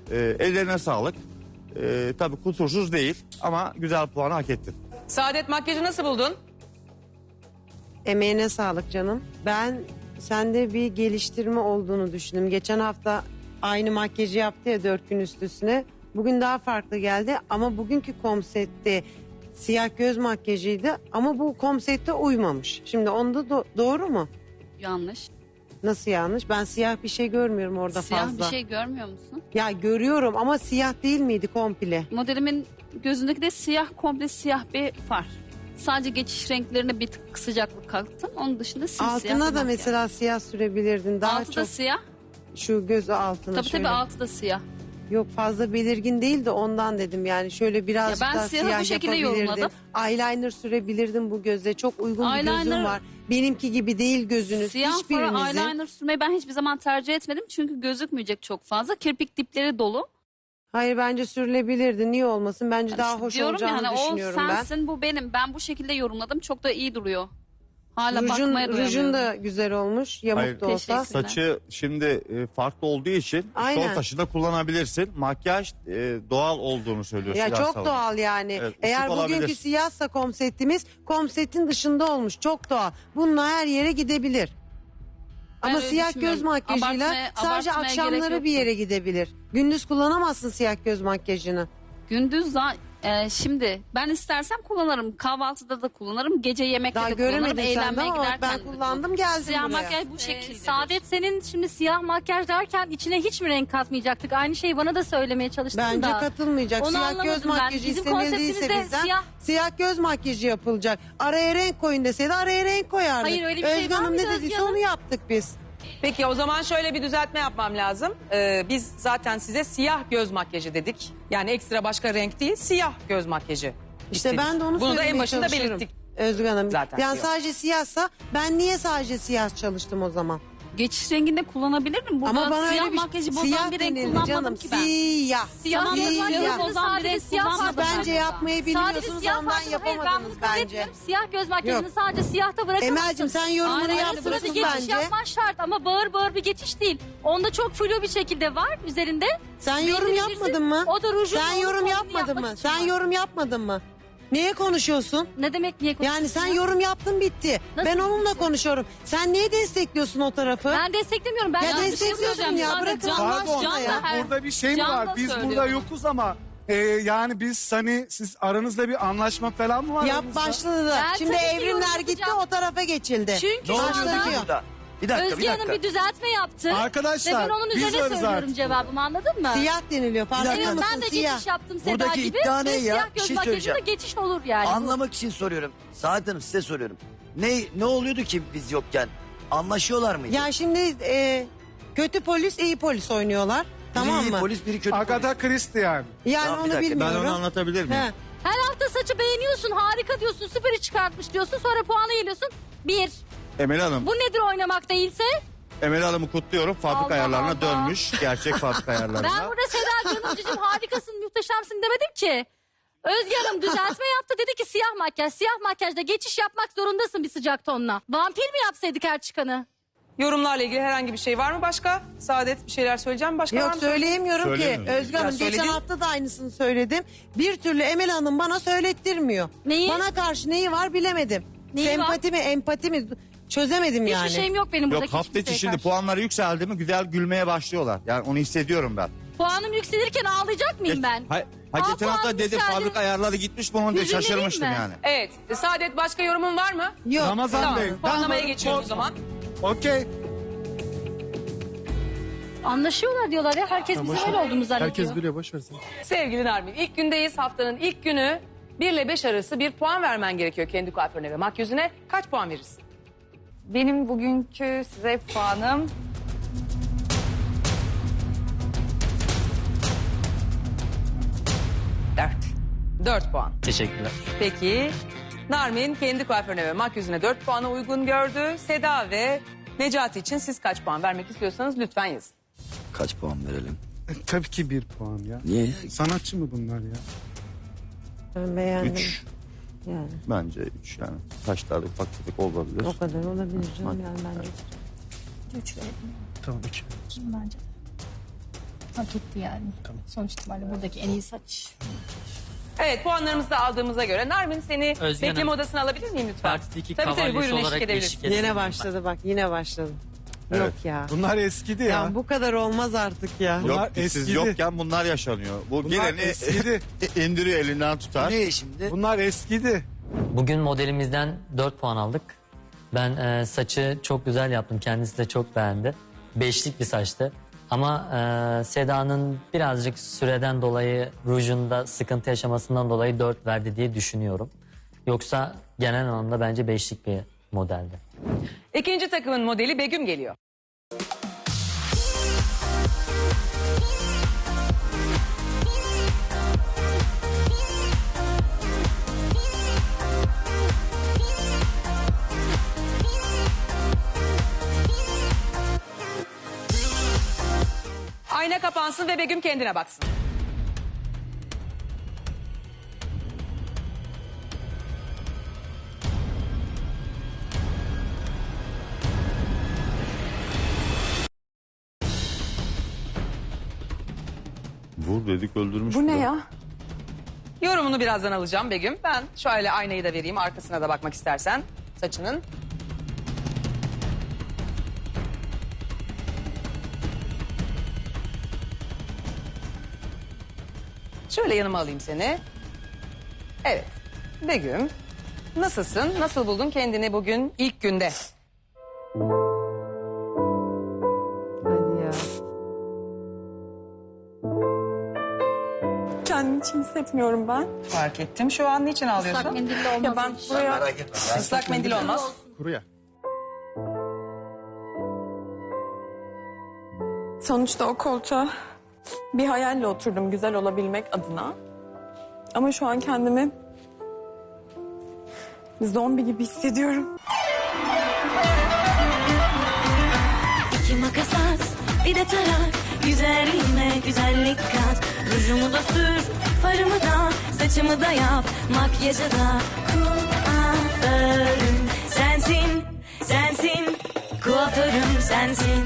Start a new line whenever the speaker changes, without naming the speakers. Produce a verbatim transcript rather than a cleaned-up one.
Ee, ellerine sağlık. Ee, tabii kusursuz değil ama güzel puanı hak ettin.
Saadet, makyajı nasıl buldun?
Emeğine sağlık canım. Ben sende bir geliştirme olduğunu düşündüm. Geçen hafta aynı makyajı yaptı ya dört gün üst üstüne. Bugün daha farklı geldi ama bugünkü konseptte siyah göz makyajıydı ama bu konsepte uymamış. Şimdi onda do- doğru mu?
Yanlış.
Nasıl yanlış? Ben siyah bir şey görmüyorum orada
Siyah
fazla.
bir şey görmüyor musun?
Ya görüyorum ama siyah değil miydi komple?
Modelimin gözündeki de siyah, komple siyah bir far. Sadece geçiş renklerine bir tık sıcaklık kattım. Onun dışında simsiyah.
Altına
bir
da
makyaj.
mesela siyah sürebilirdin. Daha
altı
çok
da siyah.
şu göz altına
Tabii
şöyle.
tabii altı da siyah.
Yok fazla belirgin değil de ondan dedim yani şöyle birazcık
Ya ben
daha
siyahı
siyah
bu şekilde
yapabilirdin.
yorumladım.
Eyeliner sürebilirdin bu göze. Çok uygun bir gözün
Eyeliner-
var. Benimki gibi değil gözünüz.
Siyah fara
Hiçbirinizin.
eyeliner sürmeyi ben hiçbir zaman tercih etmedim. Çünkü gözükmeyecek çok fazla. Kirpik dipleri dolu.
Hayır bence sürülebilirdi. Niye olmasın? Bence
Yani
daha
işte
hoş
diyorum
olacağını
ya, hani
düşünüyorum
o
ben.
sensin, bu benim. Ben bu şekilde yorumladım. Çok da iyi duruyor. Hala
Rujun,
bakmaya doyamıyorum.
rujun da güzel olmuş. Yamuk
Hayır,
da olsa.
teşekkür.
Saçı şimdi e, farklı olduğu için
Aynen.
sol taşı da kullanabilirsin. Makyaj e, doğal olduğunu söylüyorsun.
Ya
Yasemin
çok
Hanım.
doğal yani.
Evet, ışık
Eğer
olabilir.
bugünkü siyahsa komsetimiz komsetin dışında olmuş. Çok doğal. Bununla her yere gidebilir.
Ben
Ama
öyle
siyah göz
düşünmüyorum.
makyajıyla
Abartmaya-
sadece
abartmaya gerek
akşamları
yoktu.
bir yere gidebilir. Gündüz kullanamazsın siyah göz makyajını.
Gündüz za- e, şimdi ben istersem kullanırım. Kahvaltıda da kullanırım. Gece yemekte
Daha
de kullanırım.
göremedim senden
Eğlenmeye
ama
giderken
ben
de
kullandım geldim
Siyah
buraya.
makyaj bu
Ee,
şekilde.
Saadet, senin şimdi siyah makyaj derken içine hiç mi renk katmayacaktık? Aynı şeyi bana da söylemeye çalıştın
Bence
da.
katılmayacak.
Onu
Siyah göz
anlamadım ben.
makyajı
Bizim
istenildiyse
konseptimizde
bizden
siyah-
siyah göz makyajı yapılacak. Araya renk koyun deseydi araya renk koyardık.
Hayır, öyle bir şey
Özge
var
Hanım
mıydı
ne
Özge
dediyse
Hanım?
onu yaptık biz.
Peki o zaman şöyle bir düzeltme yapmam lazım. Ee, biz zaten size siyah göz makyajı dedik. Yani ekstra başka renk değil, siyah göz makyajı.
İşte
istedik.
ben de onu
Bunu da en
söylemeye
başında
çalışıyorum.
belirttik.
Özgür Hanım.
Zaten
yani
siyah.
sadece siyahsa ben niye sadece siyah çalıştım o zaman?
Geçiş renginde kullanabilirim. Burada
Ama bana
siyah
öyle bir
makyajı bozan
siyah
bir renk
denildi
kullanmadım
canım.
ki ben.
Siyah.
Siyah
Tamam,
makyajı
siyah.
Siyah.
bozan bir
Sadece
renk
siyah
kullanmadım.
Siz
makyajı
bence
burada.
yapmayı
Sadece
bilmiyorsunuz
siyah
ondan
makyajı- Hayır, ben
yapamadınız
bunu kabul
bence.
etmiyorum. Siyah göz makyajını
Yok.
sadece siyahta bırakamazsın.
Emel'cim sen yorumunu
Aynen,
Ara sıra bir
yapmışsın
geçiş
bence.
yapman şart ama bağır bağır bir geçiş değil. Onda çok flu bir şekilde var üzerinde.
Sen
Belli
yorum
bir
yapmadın
bizim-
mı?
O da rujun
Sen
onun
yorum
tonunu
yapmadın
yapmak
mı?
için
Sen
var.
yorum yapmadın mı? Niye konuşuyorsun?
Ne demek niye konuşuyorsun?
Yani sen
ya?
yorum yaptın bitti.
Nasıl
Ben onunla
bitti?
konuşuyorum. Sen niye destekliyorsun o tarafı?
Ben desteklemiyorum. Ben
Ya
yanlış
destekliyorsun
söylüyorum.
ya,
Sadece
bırakın
can-
Allah
Pardon,
aşkına ya.
her-
burada bir şey mi
Can da
var? Biz burada
söylüyorum.
yokuz ama e, yani biz hani siz aranızda bir anlaşma falan mı var?
Yap
aranızda?
başladı da.
Ben
Şimdi
tabii ki
evrimler
yorum
gitti
yapacağım.
o tarafa geçildi.
Çünkü
Ne
şu
oluyor
anda
peki burada? Bir dakika,
Özge
bir
Hanım
dakika.
bir düzeltme yaptı.
Arkadaşlar,
Ve ben onun
biz
üzerine
varız
söylüyorum
artık.
cevabımı, anladın mı?
Siyah deniliyor. Farkında
Evet,
mısın?
ben de
Siyah.
geçiş yaptım Seda
Buradaki
gibi.
iddia ne
Ve
ya?
siyah
Bir
göz
şey
makyajında
söyleyeceğim.
geçiş olur yani.
Anlamak için soruyorum. Saadet Hanım size soruyorum. Ne ne oluyordu ki biz yokken? Anlaşıyorlar mıydı?
Ya şimdi e, kötü polis iyi polis oynuyorlar.
Biri
Tamam
iyi
mı?
polis, biri kötü
Agatha Christie yani.
Yani
Tamam, bir
onu
dakika, ben
Ben
bilmiyorum.
onu anlatabilir miyim?
He.
Her hafta saçı beğeniyorsun, harika diyorsun, süperi çıkartmış diyorsun. Sonra puanı geliyorsun. Bir.
Emel Hanım,
Bu nedir oynamak değilse?
Emel Hanım'ı kutluyorum. Fabrika
Allah
ayarlarına
Allah.
dönmüş. Gerçek fabrika ayarlarına.
Ben burada Seda Canımcığım harikasın, muhteşemsin demedim ki. Özge Hanım düzeltme yaptı, dedi ki siyah makyaj. Siyah makyajda geçiş yapmak zorundasın bir sıcak tonla. Vampir mi yapsaydık her çıkanı?
Yorumlarla ilgili herhangi bir şey var mı başka? Saadet bir şeyler söyleyeceğim mi? Başka var
Yok
mı?
söyleyemiyorum ki.
Söylemiyorum.
Özgür Hanım
Ya
geçen
söyledin.
hafta da aynısını söyledim. Bir türlü Emel Hanım bana söylettirmiyor.
Neyi?
Bana karşı neyi var bilemedim.
Neyi
Sempati mi empati mi çözemedim yani.
Hiçbir şeyim yok benim
Yok
buradaki
hafta içi
kimseye
şimdi
karşı.
puanları yükseldi mi güzel gülmeye başlıyorlar. Yani onu hissediyorum ben.
Puanım yükselirken ağlayacak mıyım ben?
Ha, ha
Aa,
geçen hafta
puanım
dedi
yükseldi.
fabrika ayarları gitmiş mi onu diye
Hüzünleneyim
şaşırmıştım
mi?
yani.
Evet. Saadet başka yorumun var mı?
Yok.
Ramazan
Tamam.
Bey.
Puanlamaya
ben-
geçiyoruz o zaman.
Okey.
Anlaşıyorlar diyorlar ya. Herkes bizim öyle olduğumuzu zannediyor.
Herkes biliyor, boş versin.
Sevgili Narmin, ilk gündeyiz. Haftanın ilk günü. bir ile beş arası bir puan vermen gerekiyor kendi kuaförüne ve makyözüne. Kaç puan verirsin?
Benim bugünkü size puanım
Dört. Dört puan.
Teşekkürler.
Peki. Narmin kendi kuaförüne ve makyözüne dört puana uygun gördü. Seda ve Necati için siz kaç puan vermek istiyorsanız lütfen yazın.
Kaç puan verelim?
E, tabii ki bir puan ya.
Niye?
Sanatçı mı bunlar ya?
Ben beğendim.
Üç.
Yani
Bence üç yani. Taşlarda ufak tefek olabilir.
o kadar olabilir canım yani bence.
Üç verelim
Tamam, üç.
bence. Hak etti yani. Sonuç itibariyle buradaki en iyi saç.
Evet, puanlarımızı da aldığımıza göre Narmin seni
Özge
bekleme
Hanım,
odasına alabilir miyim lütfen?
Partideki
Tabii tabii,
kavalyesi
buyurun, eşlik
olarak
edebilirsin.
eşlik ederim.
Yine başladı bak yine başladı.
Evet.
Yok ya.
Bunlar eskidi
Ya.
ya.
bu kadar olmaz artık ya.
Bunlar
Yok siz
eskidi.
yokken bunlar yaşanıyor. Bu
Bunlar
geleni
eskidi.
indiriyor elinden tutar.
Ne şimdi?
Bunlar eskidi.
Bugün modelimizden dört puan aldık. Ben e, saçı çok güzel yaptım. Kendisi de çok beğendi. Beşlik bir saçtı. Ama e, Seda'nın birazcık süreden dolayı rujunda sıkıntı yaşamasından dolayı dört verdi diye düşünüyorum. Yoksa genel anlamda bence beşlik bir modeldi.
İkinci takımın modeli Begüm geliyor. Ayna kapansın ve Begüm kendine baksın.
Vur dedik öldürmüş.
Bu ne
da.
ya?
Yorumunu birazdan alacağım Begüm. Ben şöyle aynayı da vereyim, arkasına da bakmak istersen saçının. Şöyle yanıma alayım seni. Evet. Begüm, nasılsın? Nasıl buldun kendini bugün ilk günde?
Hadi ya.
Kendimi hiç hissetmiyorum ben.
Fark ettim. Şu an niçin ağlıyorsun?
Islak mendille olmaz.
Ya ben
bu iş.
buraya
Merak etme. Ben
Islak mendil olmaz.
Kuru ya.
sonuçta o koltuğa bir hayalle oturdum güzel olabilmek adına. Ama şu an kendimi zombi gibi hissediyorum.
İki makas at, bir de tarak. Güzelliğime güzellik kat. Rujumu da sür, farımı da, saçımı da yap. Makyajı da kuaförüm sensin, sensin. Kuaförüm sensin.